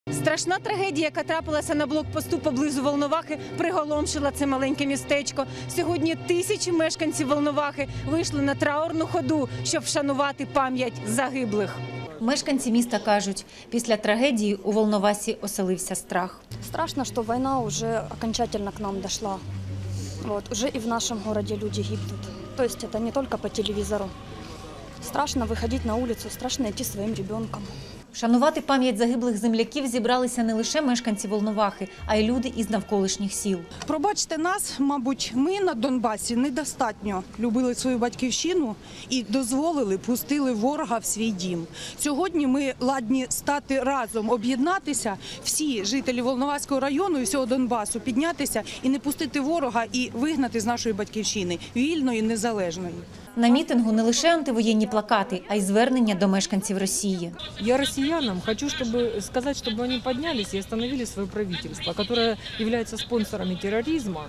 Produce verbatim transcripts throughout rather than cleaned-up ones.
Страшна трагедія, яка трапилася на блокпосту поблизу Волновахи, приголомшила це маленьке містечко. Сьогодні тисячі мешканців Волновахи вийшли на траурну ходу, щоб вшанувати пам'ять загиблих. Мешканці міста кажуть, після трагедії у Волновасі оселився страх. Страшно, что война уже окончательно к нам дошла. Вот, уже и в нашем городе люди гибнут. То есть это не только по телевизору. Страшно выходить на улицу, страшно идти своим ребенком. Вшанувати пам'ять загиблих земляків зібралися не лише мешканці Волновахи, а й люди із навколишніх сіл. Пробачте нас, мабуть, ми на Донбасі недостатньо любили свою батьківщину і дозволили, пустили ворога в свій дім. Сьогодні ми ладні стати разом, об'єднатися, всі жителі Волноваського району і всього Донбасу, піднятися і не пустити ворога і вигнати з нашої батьківщини, вільної, незалежної. На мітингу не лише антивоєнні плакати, а й звернення до мешканців Росії. Я россиянам хочу чтобы, сказать, чтобы они поднялись и остановили свое правительство, которое является спонсорами терроризма,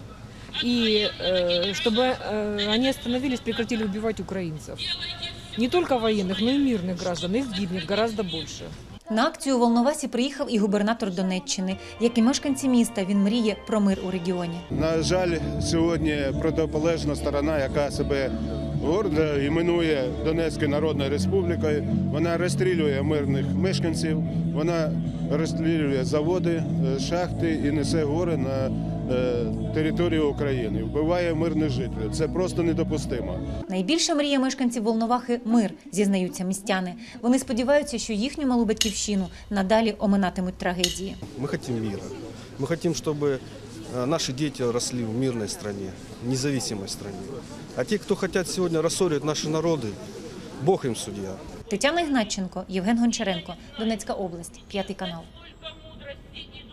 и э, чтобы э, они остановились, прекратили убивать украинцев. Не только военных, но и мирных граждан. Их гибнет гораздо больше. На акцію у Волновасі приїхав і губернатор Донеччини. Як і мешканці міста, він мріє про мир у регіоні. На жаль, сьогодні протиполежна сторона, яка себе гордо іменує Донецькою Народною Республікою, вона розстрілює мирних мешканців, вона розстрілює заводи, шахти і несе гори на територію України, вбиває мирних жителів. Це просто недопустимо. Найбільша мрія мешканців Волновахи – мир, зізнаються містяни. Вони сподіваються, що їхню малу батьківщину надалі оминатимуть трагедії. Мы хотим мира. Мы хотим, чтобы наши дети росли в мирной стране, независимой стране. А те, кто хотят сегодня рассорить наши народы, Бог им судья. Тетяна Ігнатченко, Євген Гончаренко, Донецька область, п'ятий канал.